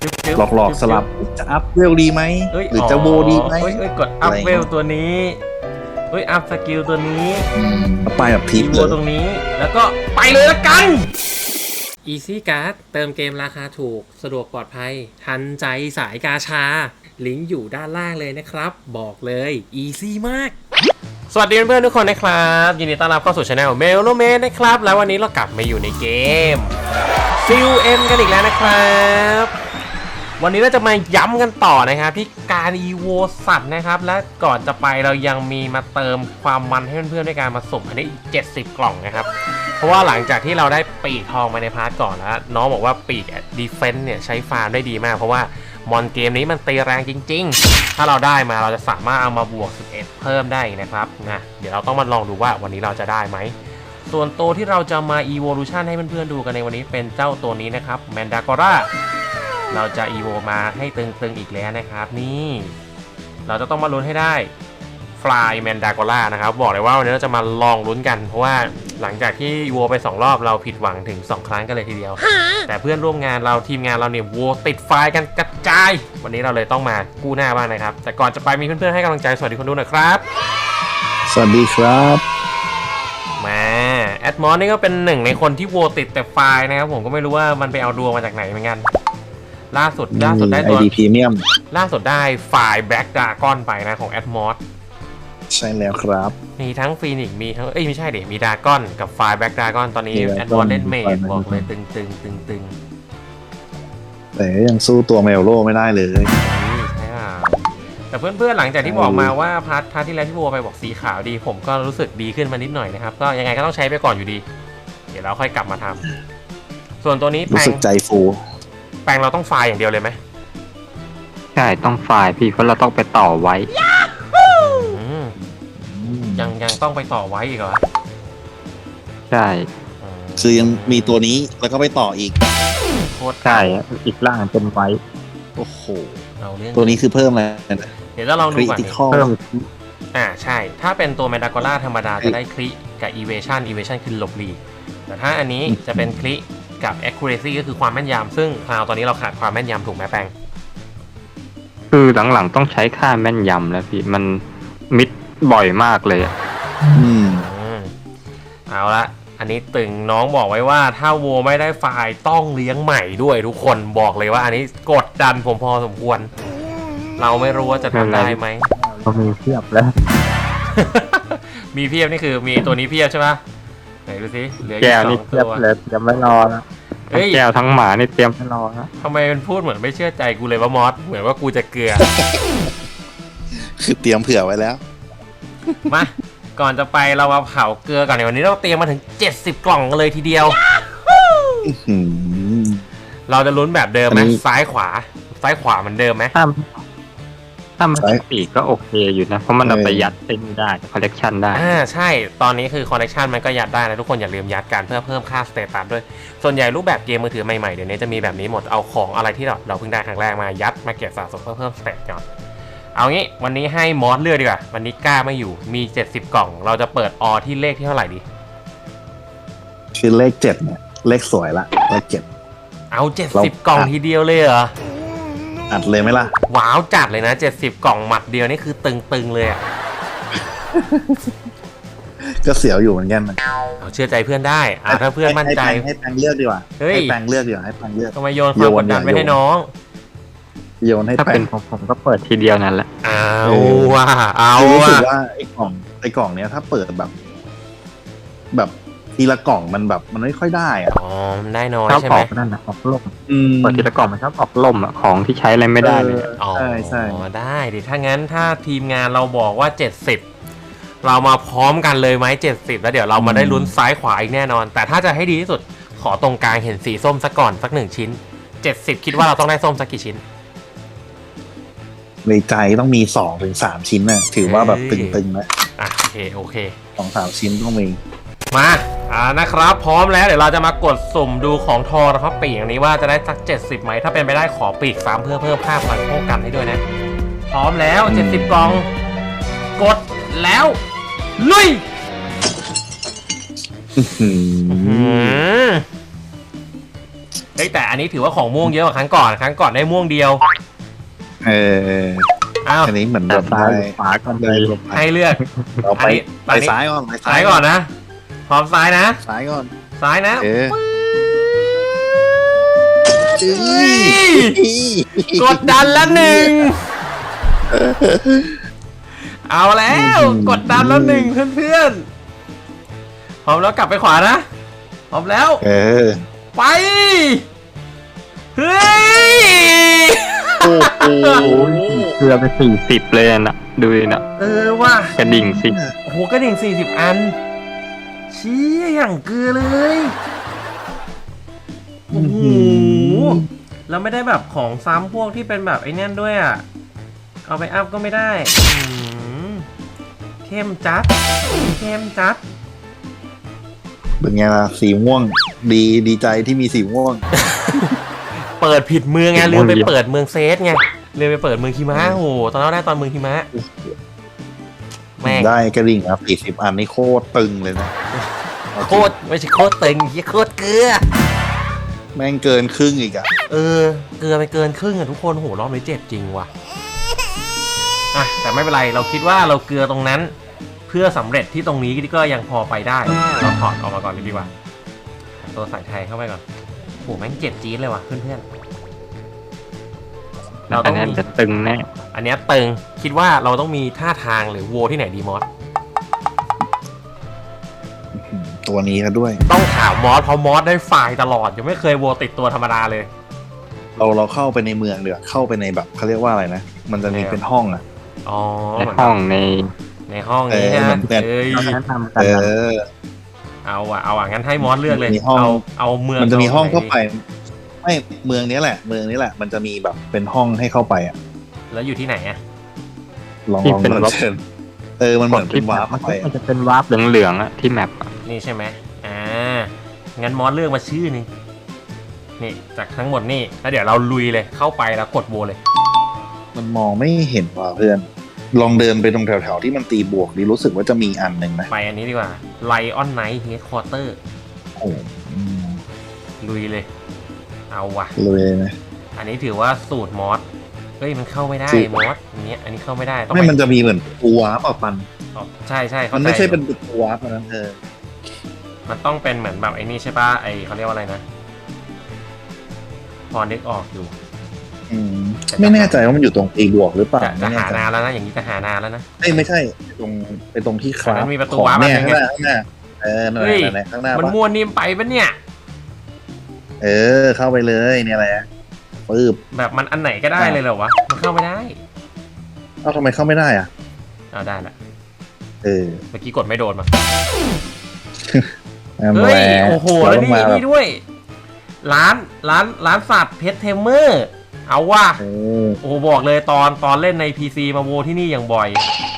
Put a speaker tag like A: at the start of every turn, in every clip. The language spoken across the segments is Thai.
A: หลอกสลับจะอัพเวลดีไหมหรือจะโบดีไหม
B: กดอัพเวลตัวนี้อัพสกิลตัวนี้
A: ไปแบบพีคเลย
B: ตรงนี้แล้วก็ไปเลยละกัน Easy Card เติมเกมราคาถูกสะดวกปลอดภัยทันใจสายกาชาลิงก์อยู่ด้านล่างเลยนะครับบอกเลย Easy มากสวัสดีเพื่อนๆทุกคนนะครับยินดีต้อนรับเข้าสู่ Channel Melomed นะครับแล้ววันนี้เรากลับมาอยู่ในเกม CUM กันอีกแล้วนะครับวันนี้เราจะมาย้ำกันต่อนะครับที่การ EVO สัตว์นะครับและก่อนจะไปเรายังมีมาเติมความมันให้เพื่อนๆด้วยการมาสุ่มอันนี้อีก70 กล่องนะครับเพราะว่าหลังจากที่เราได้ปีกทองมาในพาร์ทก่อนแล้วน้องบอกว่าปีกดีเฟนส์เนี่ยใช้ฟาร์มได้ดีมากเพราะว่ามอนเกมนี้มันตีแรงจริงๆถ้าเราได้มาเราจะสามารถเอามาบวก11เพิ่มได้นะครับนะเดี๋ยวเราต้องมาลองดูว่าวันนี้เราจะได้ไหมส่วนตัวที่เราจะมา Evolution ให้เพื่อนๆดูกันในวันนี้เป็นเจ้าตัวนี้นะครับ Mandakoraเราจะ EVO มาให้ตึงๆอีกแล้วนะครับนี่เราจะต้องมาลุ้นให้ได้ Fly Mandakora นะครับบอกเลยว่าวันนี้เราจะมาลองลุ้นกันเพราะว่าหลังจากที่ EVO ไป2รอบเราผิดหวังถึง2ครั้งกันเลยทีเดียวแต่เพื่อนร่วมงานเราทีมงานเราเนี่ยโวติดไฟกันกระจายวันนี้เราเลยต้องมากู้หน้าบ้างนะครับแต่ก่อนจะไปมีเพื่อนๆให้กำลังใจสวัสดีคนดูหน่อยครับ
A: สวัสดีครับ
B: มาแอดมอนนี่ก็เป็นหนึ่งในคนที่โวติดแต่ไฟนะครับผมก็ไม่รู้ว่ามันไปเอาดวงมาจากไหนเหมือนกันล่าสุดได้ตัว
A: ID Premium
B: ล่าสุดได้ไฟล์ Black Dragon ไปนะของ Atmos
A: ใช่แล้วครับ
B: มีทั้งฟีนิกมีทั้งไม่ใช่เดี๋ยวมีดากอนกับไฟล์ Black Dragon ตอนนี้ Atmos เล่นเมจบอกเลยตึง
A: แต่ยังสู้ตัวเมลโลไม่ได้เลย
B: ใช่ค่ะแต่เพื่อนๆหลังจากที่บอกมาว่าพาร์ทที่แล้วที่โบไปบอกสีขาวดีผมก็รู้สึกดีขึ้นมานิดหน่อยนะครับก็ยังไงก็ต้องใช้ไปก่อนอยู่ดีเดี๋ยวเราค่อยกลับมาทำส่วนตัวนี้
A: รู้สึกใจฟู
B: แปลงเราต้องไฟล์อย่างเดียวเลยไหม
C: ใช่ต้องไฟล์พี่เพราะเราต้องไปต่อไว้
B: ยังต้องไปต่อไว้อีกเหรอ
C: ใช่
A: คือยังมีตัวนี้แล้วก็ไปต่ออีก
B: โคตร
C: ใช่อีกล่างเป็นไว้
A: โอ้โหตัวนี้คือเพิ่มอะไรนะ
B: เดี๋ยวเราลองดูก่อน
A: เพิ่ม
B: ใช่ถ้าเป็นตัว Mandakora ธรรมดาจะได้คลิกับ Evasion คือหลบหลีกแต่ถ้าอันนี้จะเป็นคลิกับ accuracy ก็คือความแม่นยำซึ่งคราวตอนนี้เราขาดความแม่นยำถูกไหมแปง
C: คือหลังๆต้องใช้ค่าแม่นยำแล้วพี่มันมิดบ่อยมากเลย
B: เอาละอันนี้ตึงน้องบอกไว้ว่าถ้าโวไม่ได้ไฟล์ต้องเลี้ยงใหม่ด้วยทุกคนบอกเลยว่าอันนี้กดดันผมพอสมควรเราไม่รู้ว่าจะทำได้ไหม
C: ก็มีเพียบแล้ว
B: มีเพียบนี่คือมีตัวนี้เพียบใช่ไหมไหนดูสิเหลือ
C: แก้วนี่เทียบเลยยังไม่รอนะแก้วทั้งหมานี่เตรียมไม่รอนะ
B: ทำไมมันพูดเหมือนไม่เชื่อใจกูเลยว่ามอสเหมือนว่ากูจะเกลือ
A: คือเตรียมเผื่อไว้แล้ว
B: มาก่อนจะไปเรามาเผาเกลือก่อนในวันนี้เราเตรียมมาถึง70 กล่องกันเลยทีเดียวเราจะลุ้นแบบเดิมไหมซ้ายขวาเหมือนเดิมไหม
C: ถ้ามันปีกก็โอเคอยู่นะเพราะมันเอาไปยัดได้คอลเลกชันได้
B: ใช่ตอนนี้คือคอลเลกชันมันก็ยัดได้นะทุกคนอย่าลืมยัดกันเพื่อเพิ่มค่าสเตตัสด้วยส่วนใหญ่รูปแบบเกมมือถือใหม่ๆเดี๋ยวนี้จะมีแบบนี้หมดเอาของอะไรที่เราเพิ่งได้ครั้งแรกมายัดมาเก็บสะสมเพื่อเพิ่มสเตตก่อนเอางี้วันนี้ให้มอสเลือกดีกว่าวันนี้กล้าไม่อยู่มี70 กล่องเราจะเปิดอที่เลขที่เท่าไหร่ดี
A: คือเลข7เนี่ยเลขสวยละเลข7
B: เอา70 กล่องทีเดียวเลยเหรอ
A: อัดเลยไหมล่ะ
B: ว้าวจัดเลยนะ70 กล่องหมัดเดียวนี่คือตึงๆเลย
A: ก็เสียวอยู่เหมือนกัน
B: เอาเชื่อใจเพื่อนได้ถ้าเพื่อนมั่นใจ
A: ให้แปงเลือกดีกว่าให้แปงเลือกดีกว่าให้แปงเลือก
B: ทำไมโยนความกดดันไปให้น้อง
A: โยนให้
C: ถ้าเป็นผมก็เปิดทีเดียวนั่นแหละ
B: เอาว่ะ
A: รู้สึกว่าไอ้กล่องเนี้ยถ้าเปิดแบบทีละกล่องมันแบบมันไม่ค่อยได้
B: มันได้น้อยใช่ไหม
C: นั่นนะออกล่มเปิดทีละกล่องมันชอบออกล่มของที่ใช้อะไรไม่ได้เลย
B: ใช่ได้ดิถ้างั้นถ้าทีมงานเราบอกว่า70เรามาพร้อมกันเลยไหม70แล้วเดี๋ยวเรามาได้ลุ้นซ้ายขวาอีกแน่นอนแต่ถ้าจะให้ดีที่สุดขอตรงกลางเห็นสีส้มสักก่อนสัก1 ชิ้น70คิดว่าเราต้องได้ส้มสักกี่ชิ้น
A: ในใจต้องมี 2-3 ชิ้นนะถือว่าแบบตึงๆนะ
B: โอเค
A: 2-3 ชิ้นต้องมี
B: มานะครับพร้อมแล้วเดี๋ยวเราจะมากดสุ่มดูของทองนะครับปีกอย่างนี้ว่าจะได้สัก70ไหมถ้าเป็นไปได้ขอปีก3เพื่อเพิ่มค่าพลังป้องกันให้ด้วยนะพร้อมแล้ว70 กล่องกดแล้วลุยเฮ้ยแต่อันนี้ถือว่าของม่วงเยอะกว่าครั้งก่อนได้ม่วงเดียว
A: เออ
B: อ้าว
A: อันนี้เหมือน
C: แต่
A: แบบ
C: ซ้าย
A: ได้
C: ขวาก็
A: ได้
C: ได้
A: ลง
B: ให้เลือก
A: เราไป
B: อันนี้
A: ซ้ายก่อน
B: ซ้ายก่อนนะพร้อมซ้ายนะ
A: ซ้ายก่อน
B: ซ้ายนะ
A: เออ
B: เฮ้ยกดดันแล้วหนึ่งเอาแล้วกดดันแล้วหนึ่งเพื่อนๆพร้อมแล้วกลับไปขวานะพร้อมแล้ว
A: เออ
B: ไปเฮ้ย
A: โอ้โห
C: เกือบไป40เลยนะดูดินะ
B: ว่ะ
C: กระดิ่งสิ
B: โอ้โหกระดิ่ง40 อันเชี้อย่างเกลือเลยโอ้โหแล้วไม่ได้แบบของซ้ำพวกที่เป็นแบบไอ้นั่นด้วยอ่ะเอาไปอัพก็ไม่ได้เข้มจัด
A: เป็นไงล่ะสีม่วงดีใจที่มีสีม่วง
B: เปิดผิดเมืองไงลืมไปเปิดเมืองเซสไงลืมไปเปิดเมืองคิมะโอ้โหตอนนั้นได้ตอนเมืองคิมะแม่ง
A: ได้กระดิ่งครับ40 อันนี่โคตรตึงเลยนะ
B: โคตรไม่ใช่โคตรตึงยี่โคตรเกลือ
A: แม่งเกินครึ่งอีกอะ
B: เกลือไปเกินครึ่งอะทุกคนโหรอบนี้เจ็บจริงว่ะอ่ะแต่ไม่เป็นไรเราคิดว่าเราเกลือตรงนั้น เพื่อสำเร็จที่ตรงนี้ก็ยังพอไปได้เราถอดออกมาก่อนดีกว่าตัวสายไทยเข้าไปก่อนโหแม่งเจ็บจี๊ดเลยว่ะเพื่อนๆเรา
C: อั
B: ต้
C: น
B: อง
C: นั้น
B: มี
C: จะตึงแน่
B: อันเนี้ยตึงคิดว่าเราต้องมีท่าทางหรือโวที่ไหนดีมอส
A: ตัวนี้ก็ด้วย
B: ต้องถามมอสเพราะมอสได้ไฟล์ตลอดยังไม่เคยโวติดตัวธรรมดาเลย
A: เราเข้าไปในเมืองเดี๋ยวาเข้าไปในแบบเขาเรียกว่าอะไรนะ มันจะมีเป็นห้องอะ
B: อ๋อ
C: ในห้องใน
B: ในห้องนี้
A: เออ
B: นะ
A: เหมือนกัน
B: เอ้ย
C: แนะนำกัน
A: เอ
C: นะ
A: อ
B: เอางั้นให้มอสเลือกเลย
A: มีห้อง
B: เอาเมือง
A: มันจะมีห้องเข้า
B: ไหน
A: ไปไม่เมืองนี้แหละ มันจะมีแบบเป็นห้องให้เข้าไปอะ
B: แล้วอยู่ที่ไหนอะ
A: ลอง
C: ที่
A: ลอง
C: เป็นวาร์ป
A: เชิญมันเหมือนเป็นวาร์ป
C: มัน
A: เข้าไป
C: จะเป็นวาร์ปเหลืองๆอะที่แมปอะ
B: นี่ใช่ไหมงั้นมอสเลือกมาชื่อหนึงนี่จากทั้งหมดนี่แล้วเดี๋ยวเราลุยเลยเข้าไปแล้วกดโวเลย
A: มันมองไม่เห็นว่ะเพื่อน ลองเดินไปตรงแถวๆที่มันตีบวกดิรู้สึกว่าจะมีอันหนึ่งนะ
B: ไปอันนี้ดีกว่า Lion Knight Headquarter
A: โอ้โหอืม
B: ลุยเลย เอาว่ะ
A: เลยนะ
B: อันนี้ถือว่าสูตรมอสเฮ้ยมันเข้าไม่ได้
A: สูตร
B: มอสอันนี้เข้าไม่ได้ต้อง
A: ไม่
B: ไป
A: มันจะมีเหมือนตัววาร์ปอ่ะปัน
B: อ๋อใช่เข้า
A: มัน
B: ใจ
A: ไม่ใช่เป็นตัววาร์ปนะ
B: มันต้องเป็นเหมือนแบบไอ้นี่ใช่ปะไอเขาเรียกว่าอะไรนะพอนึกออกอยู่
A: อืมไม่แน่ใจว่ามันอยู่ตรงตีบวกหรือเปล่า
B: จะ
A: ไม่แน่
B: หา
A: ใจ
B: นานแล้วนะอย่างนี้จะหานานแล้วนะ
A: ไม่ใช่ไปตรงที่ครา
B: อันนั้
A: ฟ
B: นมีประตู
A: ของ
B: วาร์ป
A: เนี่ย
B: อันนึ
A: ข้าง งหน้านั่น
B: เฮ้ย
A: แหละข้างหน้า
B: มัน
A: ปะ
B: มัวนิ่มไปปะเนี่ย
A: เข้าไปเลยเนี่ยแหละปึ๊บ
B: แบบมันอันไหนก็ได้เลยเหรอวะมันเข้าไม่ได้
A: เอ้าทำไมเข้าไม่ได้อ่ะ
B: เอาได้ละ
A: เออ
B: เมื่อกี้กดไม่โดนมา
A: นั่น
B: เฮ้ย
A: แหละ
B: โอ้โห
A: เรา
B: แล้ว
A: ต้อง
B: นี่
A: มาแบบ
B: นี่ด้วย ร้านสัตว์เพชรเทมเมอร์เอาว่ะ
A: เออ
B: โอ้โหบอกเลยตอนเล่นใน PC มาโวที่นี่อย่างบ่อย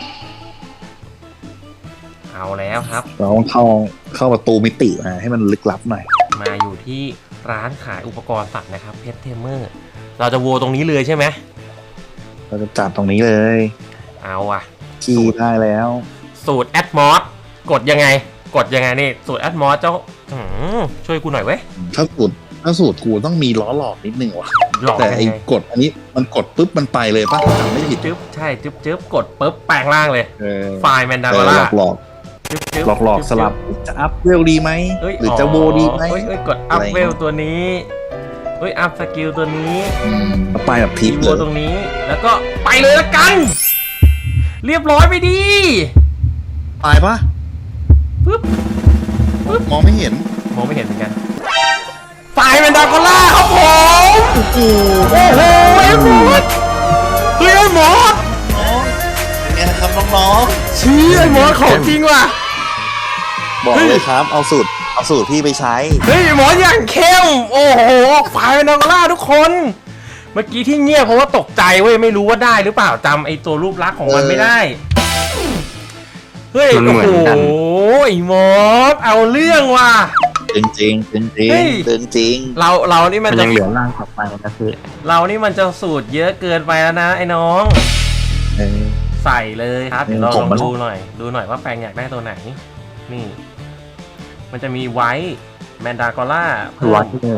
B: เอาแล้วครับ
A: เราต้องเข้าประตูมิติมาให้มันลึกลับหน่อย
B: มาอยู่ที่ร้านขายอุปกรณ์สัตว์นะครับเพชรเทมเมอร์เราจะโวตรงนี้เลยใช่ไหม
A: เราจะจัดตรงนี้เลย
B: เอาอ่ะ
A: คีย์ได้แล้ว
B: สูตรแอดมอสกดยังไงนี่สูตรแอดมอสเจ้าช่วยกูหน่อยเว้ย
A: ถ้าสูตรกูต้องมีล้อหลอกนิดนึงว่ะ
B: หลอก
A: แต่
B: ยัง
A: ไอ้
B: ไง
A: กดอันนี้มันกดปุ๊บมันไปเลยป่ะจำไม่ผิด
B: จึ๊บใช่จึ๊บกดปุ๊บแปลงร่างเลย
A: เออ
B: ไฟล์แมนดา
A: ห
B: วาร่า
A: ลอกหลอกสลับจะอัพเวลดีไหมหรือจะโวดีไหม
B: เอ้ยกดอัพเวลตัวนี้อัพสกิลตัวนี้
A: ไปแบบพี
B: ที
A: ค
B: โว
A: เลย
B: ตรงนี้แล้วก็ไปเลยละกัน เรียบร้อยไปดี
A: ตายปะ
B: ปึ๊บ
A: มองไม่เห็น
B: มองไม่เห็นเหมือนกันไฟล์แมนดาวาร่าครับผม
A: โอ้โห
B: โอ้โหไอ้หมดเฮ้ยไอ้หมด
A: เป็นไงนะครับน้อง
B: ชี้ไอ้หมดของจริงว่ะ
A: ๆบอกเลยครับเอาสูตรพี่ไปใช้
B: เฮ้ยหมออย่างเข้มโอ้โหไฟล์นางล่าทุกคน เมื่อกี้ที่เงียบเพราะว่าตกใจเว้ยไม่รู้ว่าได้หรือเปล่าจำไอตัวรูปลักษณ์ของมันไม่ได้เฮ้ย
C: มัน
B: โอ้
C: เหมื
B: โห
C: อนกัน
B: ไอ้หมอเอาเรื่องว่ะ
A: จริงจริงจริงจริง
B: เฮ้ย
A: จริง
B: เรานี่มัน
C: มัน
B: จะ
C: ยังเหลือร่างต่อไปนะพี่
B: เรานี่มันจะสูตรเยอะเกินไปแล้วนะไอ้น้อง
A: เออ
B: ใส่เลยครับเดี๋ยวเรา
A: ผ
B: ล
A: ม
B: อง
A: มัน
B: ดูหน่อยว่าแปลงอยากได้ตัวไหนนี่ มันจะมีไวท์แมนดากอล่าเพิ่
C: วัด
B: ม
C: เลย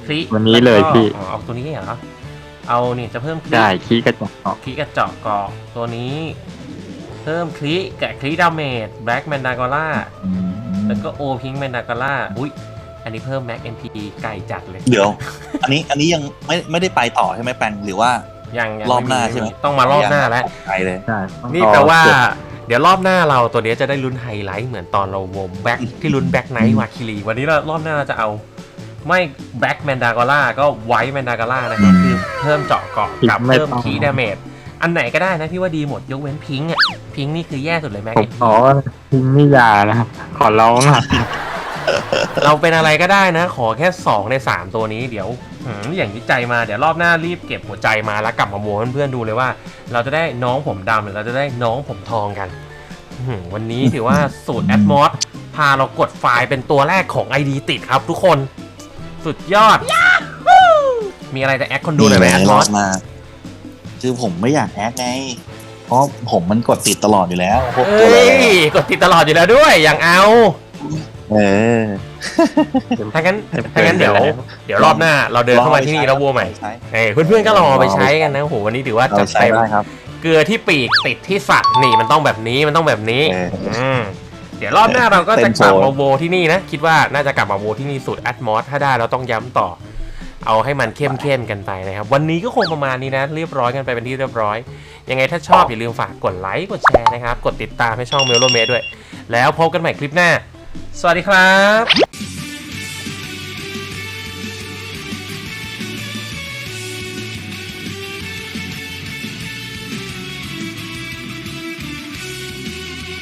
B: คลิ
C: วันนี้เลยพี่
B: อ๋อเอาตัวนี้เหรอเอานี่จะเพิ่มคลิ
C: ได้ขี้กระจก
B: คลิกระเจาะเกาะตัวนี้เพิ่มคลิกับคลิดาเมจแบล็กแมนดากอล่าแล้วก็โอพิงแมนดากอล่าอุ้ยอันนี้เพิ่มแม็กเอ็มพีไก่จัดเลย
D: เดี๋ยว อันนี้ยังไม่ได้ไปต่อใช่ไหมแปงหรือว่า
B: ยัง
D: รอบหน้าใช่ไหม
B: ต้องมารอบหน้าแล้ว
D: ไปเลย
C: ใช่ต้อง
B: นี่
C: รอ
B: แปลว่า
C: เก็บ
B: เดี๋ยวรอบหน้าเราตัวนี้จะได้ลุ้นไฮไลท์เหมือนตอนเราวงแบ็คที่ลุ้นแบ็คไนท์วาคิรีวันนี้เรารอบหน้าเราจะเอาไม่แบ็คแมนดากอล่าก็ไวท์แมนดากอล่านะครับคือเพิ่มเจาะเกาะกับเพิ่มคีดาเมจอันไหนก็ได้นะพี่ว่าดีหมดยกเว้นพิงค์อ่ะพิงค์นี่คือแย่สุดเลยแม็ก
C: ผมขอทิ้งนิยานะครับ ขอร้องอ่ะ
B: เราเป็นอะไรก็ได้นะ ขอแค่2ใน3ตัวนี้เดี๋ยวอย่างที่ใจมาเดี๋ยวรอบหน้ารีบเก็บหัวใจมาแล้วกลับมาโหวตเพื่อนๆดูเลยว่า เราจะได้น้องผมดำหรือเราจะได้น้องผมทองกันวันนี้ถือว่าสูตรแอดมอสพาเรากดไฟล์เป็นตัวแรกของ ID ติดครับทุกคนสุดยอดมีอะไรจะแอดคนดูหน่อยไหมแอดมอส
D: มาคือผมไม่อยากแอดไงเพราะผมมันกดติดตลอดอยู่แล้วพวกตัว
B: เอ้
D: อะไร
B: ยกดติดตลอดอยู่แล้วด้วยอย่างเอา
D: เออ
B: ถ้างั้นเดี๋ยวรอบหน้าเราเดินเข้ามาที่นี่แล้ววัวใหม่
D: ใช้
B: เพื่อนๆก็ลองเอาไปใช้กันนะโหวันนี้ถือว่า
D: เรา
B: จัด
D: ใช้
B: เต็ม
D: ได้ครับ
B: เกลือที่ปีกติดที่สัตว์นี่มันต้องแบบนี้มันต้องแบบนี้ มเดี๋ยวรอบหน้าเราก็จะกลับมาโวที่นี่นะ คิดว่าน่าจะกลับมาโวที่นี่สุดแอดมอสถ้าได้เราต้องย้ำต่อ เอาให้มันเข้มๆกันไปนะครับ วันนี้ก็คงประมาณนี้นะ เรียบร้อยกันไปเป็นที่เรียบร้อย ยังไงถ้าชอบอย่าลืมฝากกดไลค์กดแชร์นะครับ กดติดตามให้ช่องเมลโลเมด้วยแล้วพบกันใหม่คลิปหน้า สวัสดีครับ